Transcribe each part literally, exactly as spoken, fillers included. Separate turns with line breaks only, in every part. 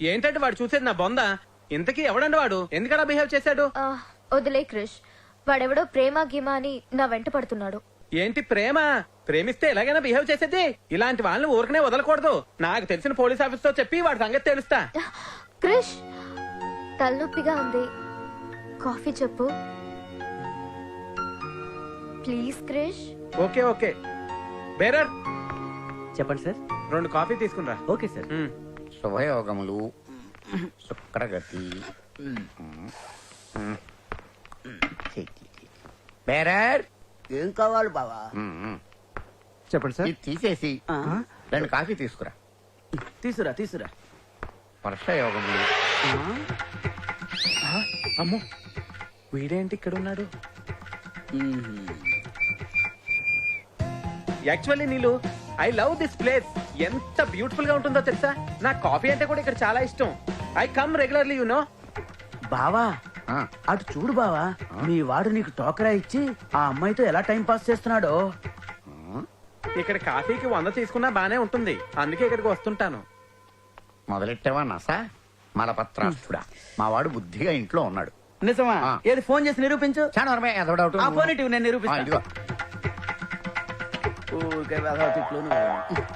ఏంటంటే వాడు చూసేది నా బొంద. ఇంతకీ ఎవడండి వాడు? ఎందుకలా బిహేవ్ చేశాడు?
వదిలే క్రిష్, వాడెవడో ప్రేమ గీమా అని నా వెంట పడుతున్నాడు.
ఏంటి ప్రేమ? ప్రేమిస్తే ఎలాగైనా బిహేవ్ చేసేది. ఇలాంటి వాళ్ళని ఊరికనే వదలకూడదు. నాకు తెలిసిన పోలీస్ ఆఫీస్ తో చెప్పి వాడి సంగతి తెలుస్తా.
క్రిష్, తలనొప్పిగా ఉంది, కాఫీ చెప్పు please. Krish.
Okay okay bearer
చెప్పండి సార్.
రెండు కాఫీ తీసుకునిరా.
Okay sir.
శుభయోగములు, శుక్రగతి. బేరర్
ఏం కావాలి బావా?
చెప్పండి సార్.
ఇది తీసేసి రెండు కాఫీ తీసుకురా.
తీసురా తీసురా.
వర్షయోగములు.
అమ్మో, వీడేంటి ఇక్కడ ఉన్నాడు? Actually Neelu, I love this place. ఎంత బ్యూటిఫుల్ గా ఉంటుందో తెలుసా? నా కాఫీ అంటే కూడా ఇక్కడ చాలా ఇష్టం. I come regularly you know.
బావా
ఆ,
అటు చూడు బావా, మీ వాడు నీకు టోకరా ఇచ్చి ఆ అమ్మాయితో ఎలా టైం పాస్ చేస్తున్నాడో.
ఇక్కడ కాఫీకి వంద తీసుకున్నా బానే ఉంటుంది. అందుకే ఇక్కడికి వస్తుంటాను.
మొదలెట్టావా నసా మలపత్రాస్తుడా? మా వాడు బుద్ధిగా ఇంట్లో ఉన్నాడు.
నిజమా?
ఆ.
ఏది ఫోన్ చేసి నిరూపించు.
చాలా వరమే ఏదో డౌట్.
ఆ ఫోన్ ఇటు నేను
ఆ,
నిరూపిస్తాను.
ఇదిగో.
ఊరికే వెధవ తిట్లు నువ్వు.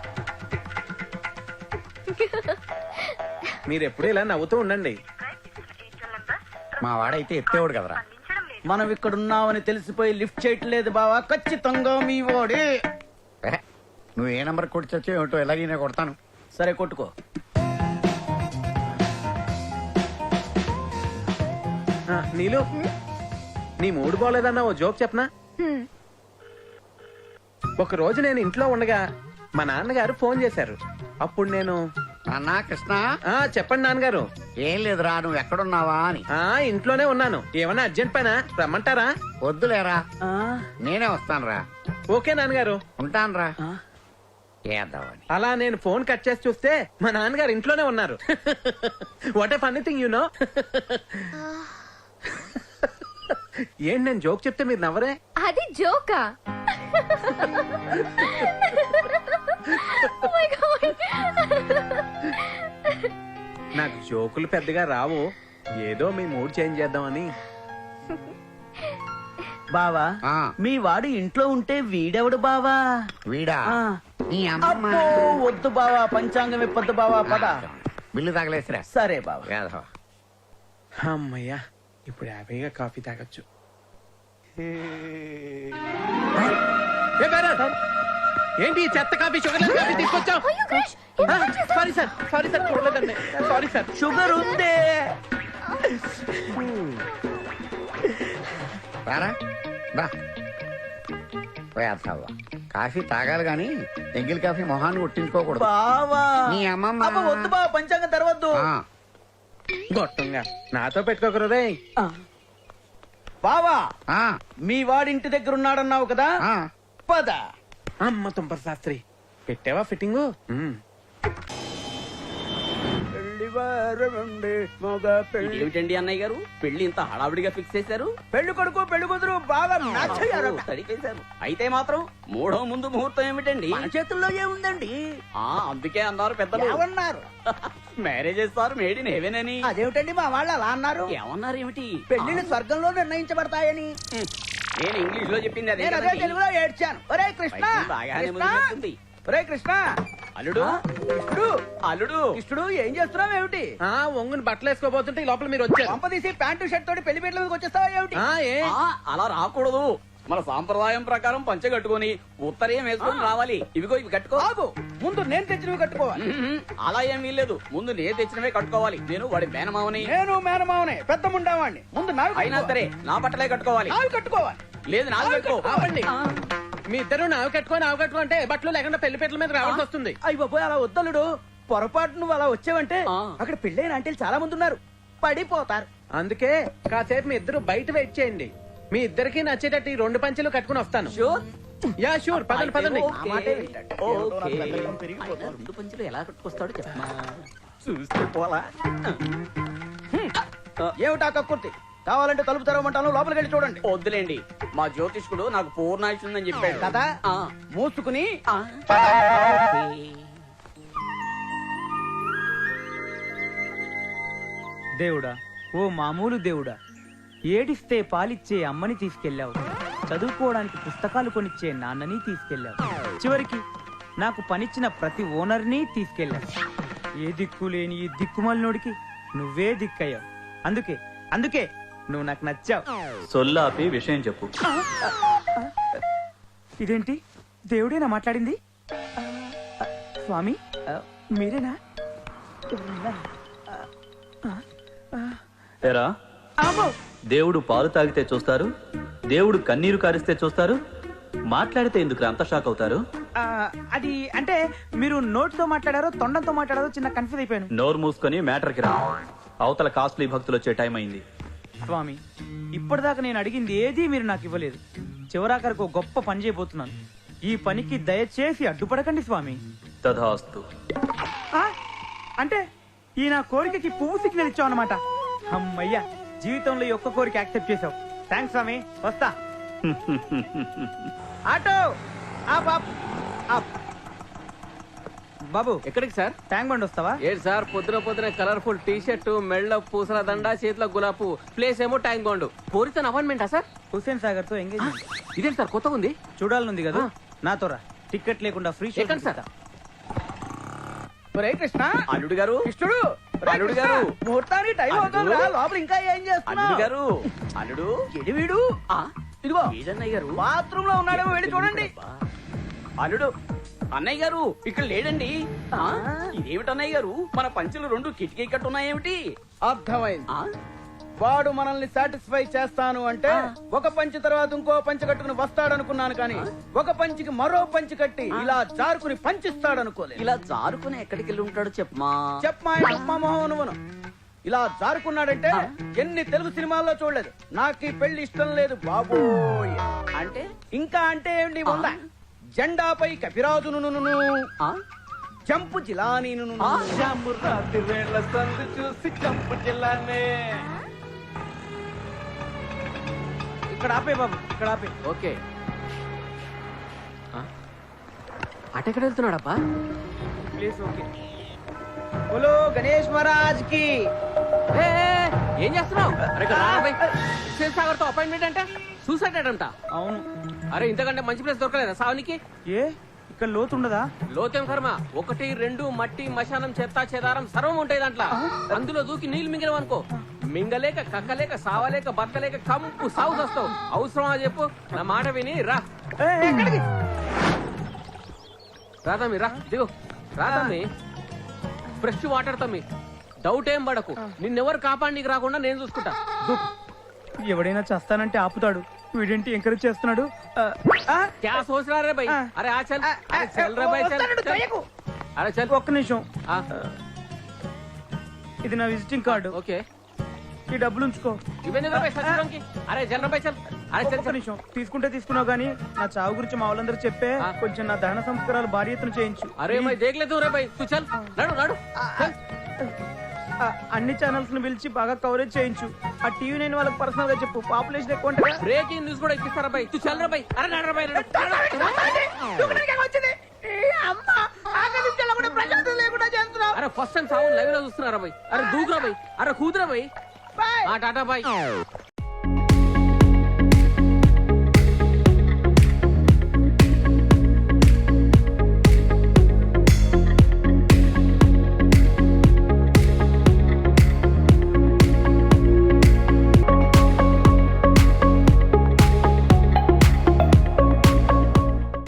మీరు ఎప్పుడు ఇలా నవ్వుతూ ఉండండి.
మా వాడైతే ఎత్తేవాడు కదరా.
మనం ఇక్కడ ఉన్నామని తెలిసిపోయి లిఫ్ట్ చేయట్లేదు బావా. ఖచ్చితంగా మీ వాడే.
ఏ, నువ్వు ఏ నంబర్ కొట్టి ఏమిటో ఎలాగైనా కొడతాను.
సరే కొట్టుకో.
ఆ, నీలు, నీ మూడు బాలేదన్నా ఓ జోక్ చెప్పనా?
హ్మ్.
ఒక రోజు నేను ఇంట్లో ఉండగా మా నాన్నగారు ఫోన్ చేశారు. అప్పుడు నేను
అన్నా కృష్ణ,
ఆ చెప్పండి నాన్నగారు.
ఏం లేదురా, నువ్వు ఎక్కడున్నావా అని.
ఆ ఇంట్లోనే ఉన్నాను. ఏమన్నా అర్జెంట్ పైన రమ్మంటారా?
వద్దులేరా,
ఆ,
నేనే వస్తానురా.
ఓకే నాన్నగారు.
ఉంటానురా.
ఆ.
ఏద్దామని.
అలా నేను ఫోన్ కట్ చేసి చూస్తే మా నాన్నగారు ఇంట్లోనే ఉన్నారు. What a funny thing you know. ఏంటి నేను జోక్ చెప్తే మీరు నవ్వరే?
అది జోకా? Oh my God.
నాకు జోకులు పెద్దగా రావు. ఏదో మీ మూడ్ చేంజ్ చేద్దామని.
బావా,
ఆ,
మీ వాడు ఇంట్లో ఉంటే వీడెవడు బావా?
వీడా
ఆ.
నీ అమ్మ.
అబ్బో, వద్దు బావా, పంచాంగం ఇప్పొద్దు బావా, పద.
బిల్లు తగలేసిరా.
సరే బావా.
వేధవా.
అమ్మయ్యా, ఇప్పుడు హ్యాపీగా కాఫీ తాగొచ్చు. ఏ బేరర్, ఏంటి ఈ చెత్త కాఫీ, షుగర్ లెస్ కాఫీ తీసుకొచ్చావు?
అయ్యో Krish,
sorry sir, sorry sir, చూడలేదండి. Sorry sir.
షుగర్ ఉందే.
రారా రా. వేధవా. కాఫీ తాగాలి గాని ఎంగిల్ కాఫీ మొహాన్ని కొట్టించుకోకూడదు.
బావా,
నీ అమ్మమ్మ.
అబ్బా, వద్దు బావా, పంచాంగం తెరవద్దు.
ఆ,
గొట్టంగా నాతో పెట్టుకోకరు రే.
ఆ. బావా,
ఆ,
మీ వాడి ఇంటి దగ్గర ఉన్నాడన్నావు కదా,
ఆ.
పద.
అమ్మ తుంపర్ శాస్త్రి, పెట్టావా ఫిట్టింగు?
ఏమిటండి అన్నయ్య గారు, పెళ్లి ఇంత హడావిడిగా ఫిక్స్ చేశారు?
పెళ్లి కొడుకు పెళ్లి కూతురు బాగా మ్యాచ్ అయ్యారు.
సరికేశారు. అయితే మాత్రం మూడో ముందు ముహూర్తం ఏమిటండి?
మన చేతుల్లో ఏముందండి?
ఆ అందుకే అన్నారు పెద్దలు,
ఏమన్నారు?
Marriage sir made in heaven అని.
అదేమిటండి మా వాళ్ళు అలా అన్నారు?
ఏమన్నారు ఏమిటి?
పెళ్లిని స్వర్గంలో నిర్ణయించబడతాయని.
నేను ఇంగ్లీష్ లో చెప్పింది అదే
నేను అదే
కదండి.
తెలుగులో ఏడ్చాను. ఒరే కృష్ణ,
పైకి బాగానే
కృష్ణ,
ముదిరినట్టుంది.
ఒరే కృష్ణ,
అల్లుడు,
కృష్ణుడు,
అల్లుడు,
కృష్ణుడు ఏం చేస్తున్నావు ఏమిటి?
ఆ ఒంగుని బట్టలు వేసుకోబోతుంటే ఈ లోపల మీరు వచ్చారు.
పంప తీసి ప్యాంటు షర్ట్ తోటి పెళ్లి పీటల మీదకి వచ్చేస్తావా ఏమిటి?
ఆ, ఏ
ఆ, అలా రాకూడదు. మన సాంప్రదాయం ప్రకారం పంచె కట్టుకొని ఉత్తరీయం వేసుకొని రావాలి. ఇవిగో ఇవి కట్టుకో.
ఆగు, ముందు నేను తెచ్చినవి కట్టుకోవాలి.
మ్మ్. అలా ఏం వీల్లేదు, ముందు నేను తెచ్చినవే కట్టుకోవాలి. నేను వాడి మేనమావని.
నేను మేనమావనే, పెద్ద ముండావాణ్ణి. ముందు నావి
అయినా
కట్టుకోవాలి.
సరే నా బట్టలే కట్టుకోవాలి.
నావి కట్టుకోవాలి.
లేదు నాది కట్టుకో.
ఆపండి. మీ ఇద్దరు నావి కట్టుకో నావి కట్టుకో అంటే బట్టలు లేకుండా పెళ్లి పీటల మీద రావాల్సి వస్తుంది.
అయ్యి బాబోయ్, అలా వద్దలుడు. పొరపాటు నువ్వు అలా వచ్చావంటే
ఆ.
అక్కడ పెళ్ళైన ఆంటీలు చాలా మంది ఉన్నారు, పడిపోతారు.
అందుకే కాసేపు మీ ఇద్దరు బయట వెయిట్ చేయండి. మీ ఇద్దరికి నచ్చేటట్టు ఈ రెండు పంచెలు కట్టుకుని వస్తాను.
షూర్.
యా షూర్, పదండి పదండి.
ఓకే.
మాటే వింటాడు.
ఓకే.
పెద్దరికం పెరిగిపోతుంది.
ఆయన రెండు పంచులు ఎలా కట్టుకొస్తాడో చెప్పమా. చూస్తే పోలా.
ఏమిటా కక్కుర్తి? కావాలంటే తలుపు తెరవమంటాను, లోపలికి వెళ్ళి చూడండి.
వద్దులేండి, మా జ్యోతిష్కుడు నాకు పూర్ణాయుష్ ఉందని చెప్పాడు
కదా,
ఆ.
మూసుకుని
ఆ.
దేవుడా, ఓ మామూలు దేవుడా, ఏడిస్తే పాలిచ్చే అమ్మని తీసుకెళ్ళావు, చదువుకోవడానికి పుస్తకాలు కొనిచ్చే నాన్నని తీసుకెళ్ళావు, చివరికి నాకు పనిచ్చిన ప్రతి ఓనర్ని తీసుకెళ్ళావు. ఏ దిక్కు లేని ఈ దిక్కుమాలినోడికి నువ్వే దిక్కయ్యావు. అందుకే అందుకే నువ్వు నాకు నచ్చావు.
సొల్లాపి విషయం చెప్పు.
ఇదేంటి, దేవుడేనా మాట్లాడింది? స్వామి, మీరేనా?
ఏరా,
అమ్మో!
దేవుడు పాలు తాగితే చూస్తారు, దేవుడు కన్నీరు కారిస్తే చూస్తారు, మాట్లాడితే ఎందుకు అంత షాక్ అవుతారు?
ఆ, అది అంటే మీరు నోటితో మాట్లాడారో తొండంతో మాట్లాడారో చిన్న కన్ఫ్యూజ్ అయిపోయాను.
నోరు మూసుకొని మ్యాటర్కి రా. అవతల కాస్ట్లీ భక్తులు వచ్చే టైం అయింది.
స్వామి, ఇప్పటిదాకా నేను అడిగింది ఏదీ మీరు నాకు ఇవ్వలేదు. చివరాఖరికి ఒక గొప్ప పని చేయబోతున్నాను. ఈ పనికి దయచేసి అడ్డుపడకండి స్వామి.
తథాస్తు.
ఆ, అంటే ఈ నా కోరికకి పువ్వు సిగ్నల్ ఇచ్చావు అనమాట. అమ్మయ్యా, జీవితంలో ఈ ఒక్క కోరిక యాక్సెప్ట్ చేసావు. థ్యాంక్స్ స్వామి, వస్తా. ఆటో ఆప్, ఆప్, ఆప్. బాబు,
ఎక్కడికి సార్?
ట్యాంక్ బండి వస్తావా?
ఏంటి సార్ పొద్దున పొద్దున కలర్ఫుల్ టీ షర్ట్, మెళ్ళ పూసల దండ, చేతిలో గులాబు, ప్లేస్ ఏమో ట్యాంక్ బాండ్. పోరితో అపాయింట్మెంటా సార్?
హుస్సేన్ సాగర్ తో ఎంగేజ్మెంట్.
ఇదేంటి సార్ కొత్తగా ఉంది?
చూడాలనుంది కదా, నాతో రా. టికెట్ లేకుండా ఫ్రీ షో
ఎక్కడ సార్?
ఒరే కృష్ణ,
అల్లుడు గారు,
కృష్ణుడు,
అల్లుడు గారు,
ముహూర్తానికి టైం అవుతుందా? లోపల ఇంకా ఏం
అల్లుడు
చేస్తున్నావు?
గారు, అల్లుడు
ఎడి వీడు?
ఆ,
ఇదిగో
ఏదన్నయ్య గారు?
బాత్రూమ్ లో ఉన్నాడేమో, వెళ్ళి చూడండి.
అల్లుడు, అన్నయ్య గారు ఇక్కడ లేడండి. ఆ, ఇదేమిటి అన్నయ్య గారు, మన పంచులు రెండు కిటికీ కట్టున్నాయేమిటి?
అర్థమైంది.
ఆ,
వాడు మనల్ని సాటిస్ఫై చేస్తాను అంటే ఒక పంచి తర్వాత ఇంకో పంచి కట్టుకుని వస్తాడనుకున్నాను, కానీ ఒక పంచికి మరో పంచి కట్టి ఇలా జారుకుని పంచిస్తాడనుకోలేదు.
ఇలా జారుకుని ఎక్కడికి వెళ్ళి ఉంటాడో చెప్పమా.
చెప్పమా చెప్పమా మొహం నువ్వును. ఇలా జారుకున్నాడంటే ఎన్ని తెలుగు సినిమాల్లో చూడలేదు. నాకు ఈ పెళ్లి ఇష్టం లేదు బాబోయ్.
అంటే
ఇంకా అంటే ఏంటి ఉందా? జెండాపై కపిరాజును
ఆ,
జంపు జిలానీ
ఆ.
చూసి జంపు జిల్లానే. ఇక్కడ ఆపే బాబు, ఇక్కడ ఆపే.
ఓకే. అటెక్కడ వెళ్తున్నాడబ్బా?
Please okay. బోలో గణేష్ మహారాజ్ కి.
ఏ, ఏ, ఏం చేస్తున్నావు? అరే ఇక్కడ రా బై. హుస్సేన్ సాగర్ తో అపాయింట్మెంట్ అంటే సూసైడ్ అంట.
అవును.
అరే ఇంతకంటే మంచి ప్లేస్ దొరకలేదా సావునికి?
ఏ ఇక్కడ లోతుండదా?
లోతేం కర్మ, ఒకటి రెండు మట్టి మశానం చెత్త చెదారం సర్వం ఉంటాయి దాంట్లో. అందులో దూకి నీళ్లు మింగలేవు అనుకో, మింగలేక కక్కలేక సావలేక బతకలేక కంపు సాగు వస్తావు. అవసరమా చెప్పు? నా మాట విని రా. రా తమ్మి, రా దిగు. రా తమ్మి, ఫ్రెష్ వాటర్ తమ్మి, డౌట్ ఏం పడకు. నిన్నెవరు కాపాడికి రాకుండా నేను చూసుకుంటా.
ఎవడైనా చేస్తానంటే ఆపుతాడు, వీడేంటి ఎంకరేజ్ చేస్తున్నాడు?
క్యా సోచ్ రా రే భయ్? అరే ఆ చల్, అరే చల్ రే భయ్, చల్ చల్. అరే చల్.
ఒక్క నిమిషం,
ఆ,
ఇది నా విజిటింగ్ కార్డు.
ఓకే.
ఈ డబ్బులు ఉంచుకో.
ఇవన్నీ రా భయ్ సచ్చిలోకి. అరే జల్ రా భయ్, చల్. అరే చల్
ఒక్క
చల్.
నిమిషం, తీసుకుంటే తీసుకున్నావు కానీ నా చావు గురించి మా వాళ్ళందరూ చెప్పే
ఆ.
కొంచెం నా దహన సంస్కారాలు భారీ ఎత్తున చేయించు.
అరే భయ్ దేఖ్ లే తూ రే భయ్, తూ చల్. నడు నడు చల్.
ఆ, అన్ని ఛానల్స్ ను పిలిచి బాగా కవరేజ్ చేయించు. ఆ టీవీ నైన్ వాళ్ళకి పర్సనల్ గా చెప్పు, పాపులేషన్ ఎక్కువ ఉంటుంది.
బ్రేకింగ్ న్యూస్ కూడా ఎక్కిస్తారా భయ్? తూ చల్ రా భయ్. అరే నడు రా భయ్, నడు. అరే ఫస్ట్ టైం సావు లైవ్ లో చూస్తున్నారా భయ్? అరే దూకురా భయ్. అరే కూతురా భయ్. ఆ టాటా బాయ్.